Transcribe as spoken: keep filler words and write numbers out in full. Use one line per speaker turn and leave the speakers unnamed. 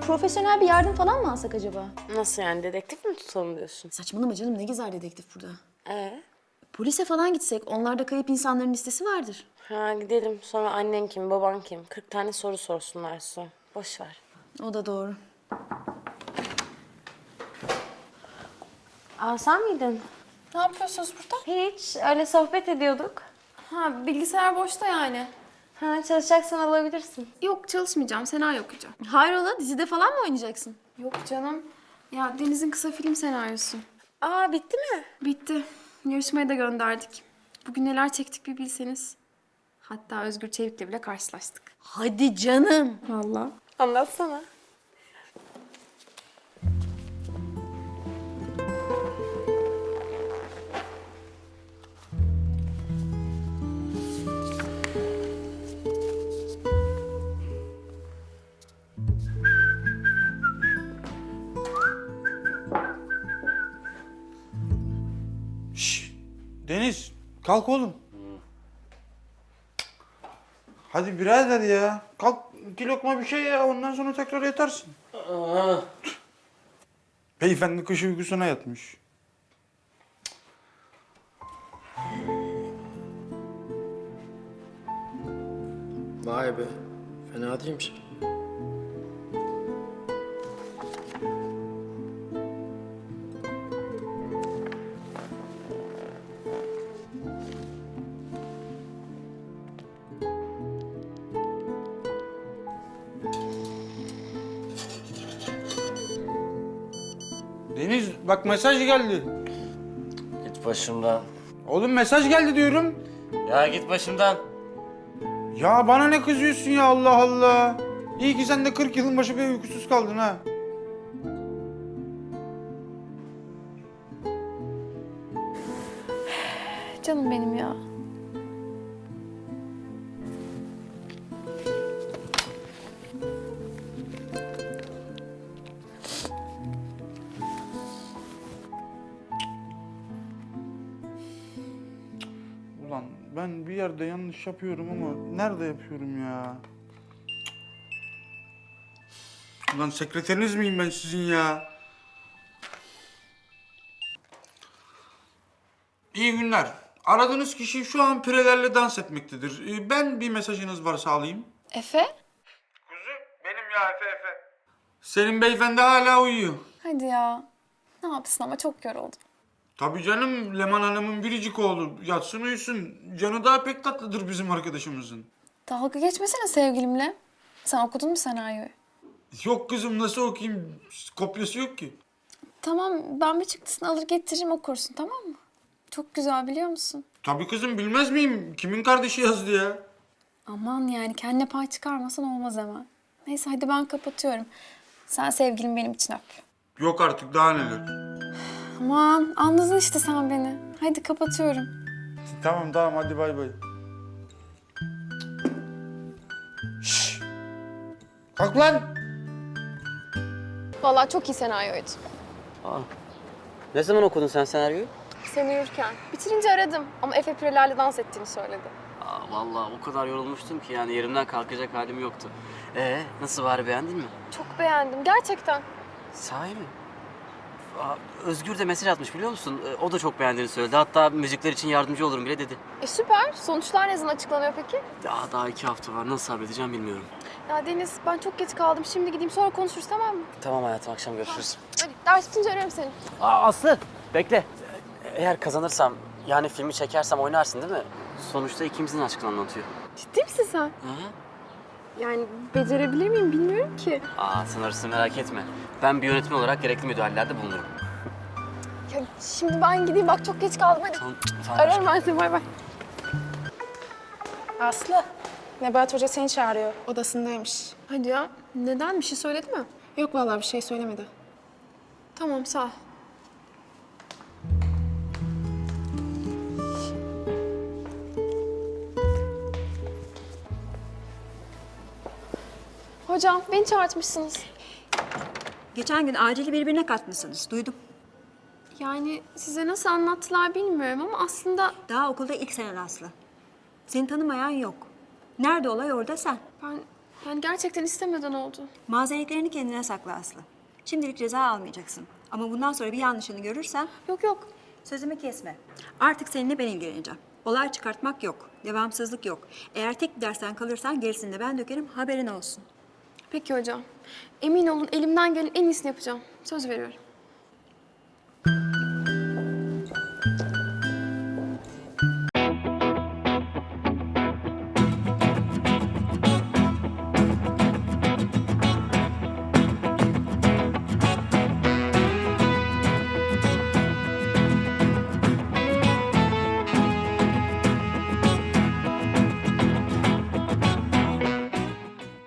profesyonel bir yardım falan mı alsak acaba?
Nasıl yani, dedektif mi tutalım diyorsun?
Saçmalama canım, ne gezer dedektif burada.
Ee?
Polise falan gitsek, onlarda kayıp insanların listesi vardır.
Ha gidelim, sonra annen kim, baban kim? kırk tane soru sorsunlar sonra. Boş ver.
O da doğru.
Aa sen miydin?
Ne yapıyorsunuz burada?
Hiç, öyle sohbet ediyorduk.
Ha, bilgisayar boşta yani.
Ha çalışacaksan alabilirsin.
Yok, çalışmayacağım. Senaryo okuyacağım.
Hayrola, dizide falan mı oynayacaksın?
Yok canım. Ya Deniz'in kısa film senaryosu.
Aa bitti mi?
Bitti. Yarışmaya da gönderdik. Bugün neler çektik bir bilseniz. Hatta Özgür Çevik'le bile karşılaştık.
Hadi canım.
Vallahi.
Anlatsana.
Şşş! Deniz, kalk oğlum. Hadi birader ya. Kalk iki lokma bir şey ya, ondan sonra tekrar yatarsın. Beyefendi kış uykusuna yatmış.
Vay be, fena değilmiş.
Deniz, bak mesaj geldi.
Git başımdan.
Oğlum mesaj geldi diyorum.
Ya git başımdan.
Ya bana ne kızıyorsun ya, Allah Allah. İyi ki sen de kırk yılın başı bir uykusuz kaldın ha.
Canım benim ya.
Ulan ben bir yerde yanlış yapıyorum ama nerede yapıyorum ya? Ulan sekreteriniz miyim ben sizin ya? İyi günler. Aradığınız kişi şu an pirelerle dans etmektedir. Ee, Ben bir mesajınız varsa alayım.
Efe?
Kuzu, benim ya Efe Efe. Senin beyefendi hala uyuyor.
Hadi ya. Ne yapsın ama çok yoruldum.
Tabii canım, Leman Hanım'ın biricik oğlu. Yatsın uyusun. Canı daha pek tatlıdır bizim arkadaşımızın.
Dalga geçmesene sevgilimle. Sen okudun mu senaryoyu?
Yok kızım, nasıl okuyayım? Kopyası yok ki.
Tamam, ben bir çıktısını alır getiririm okursun, tamam mı? Çok güzel, biliyor musun?
Tabii kızım, bilmez miyim? Kimin kardeşi yazdı ya?
Aman yani kendine pay çıkarmasan olmaz hemen. Neyse hadi ben kapatıyorum. Sen sevgilim benim için öp.
Yok artık, daha neler.
Aman anladın işte sen beni. Hadi kapatıyorum.
Tamam tamam, hadi bay bay. Şşş! Kalk lan!
Vallahi çok iyi senaryoydu.
Aa, ne zaman okudun sen senaryoyu?
Sen uyurken. Bitirince aradım ama Efe Pireler'le dans ettiğini söyledi.
Aa, vallahi o kadar yorulmuştum ki yani yerimden kalkacak halim yoktu. Ee, nasıl bari, beğendin mi?
Çok beğendim gerçekten.
Sahi mi? Aa, Özgür de mesaj atmış, biliyor musun? Ee, o da çok beğendiğini söyledi. Hatta müzikler için yardımcı olurum bile dedi.
E süper. Sonuçlar ne zaman açıklanıyor peki?
Daha daha iki hafta var. Nasıl sabredeceğim bilmiyorum.
Ya Deniz ben çok geç kaldım. Şimdi gideyim sonra konuşuruz tamam mı?
Tamam hayatım, akşam görüşürüz.
Hadi ders bitince ararım seni.
Aa, Aslı, bekle. Eğer kazanırsam, yani filmi çekersem oynarsın değil mi? Sonuçta ikimizin aşkını anlatıyor.
Ciddi misin sen?
Hı hı.
Yani becerebilir miyim bilmiyorum ki.
Aa, sen orasını merak etme. Ben bir yönetmen olarak gerekli müdahalelerde bulunurum.
Ya şimdi ben gideyim bak çok geç kaldım hadi.
Tamam, tamam.
Ararım ben seni bay bay.
Aslı, Nebahat Hoca seni çağırıyor.
Odasındaymış. Hadi ya. Neden? Bir şey söyledi mi?
Yok vallahi bir şey söylemedi.
Tamam sağ ol.
Hocam beni çağırtmışsınız.
Geçen gün acili birbirine katmışsınız. Duydum.
Yani size nasıl anlattılar bilmiyorum ama aslında
Daha okulda ilk senen Aslı. Seni tanımayan yok. Nerede olay orada sen.
ben Yani gerçekten istemeden oldu.
Mazeretlerini kendine sakla Aslı. Şimdilik ceza almayacaksın. Ama bundan sonra bir yanlışını görürsem
Yok yok.
sözümü kesme. Artık seninle ben ilgileneceğim. Olay çıkartmak yok. Devamsızlık yok. Eğer tek bir dersten kalırsan gerisini de ben dökerim, haberin olsun.
Peki hocam. Emin olun elimden gelen en iyisini yapacağım. Söz veriyorum.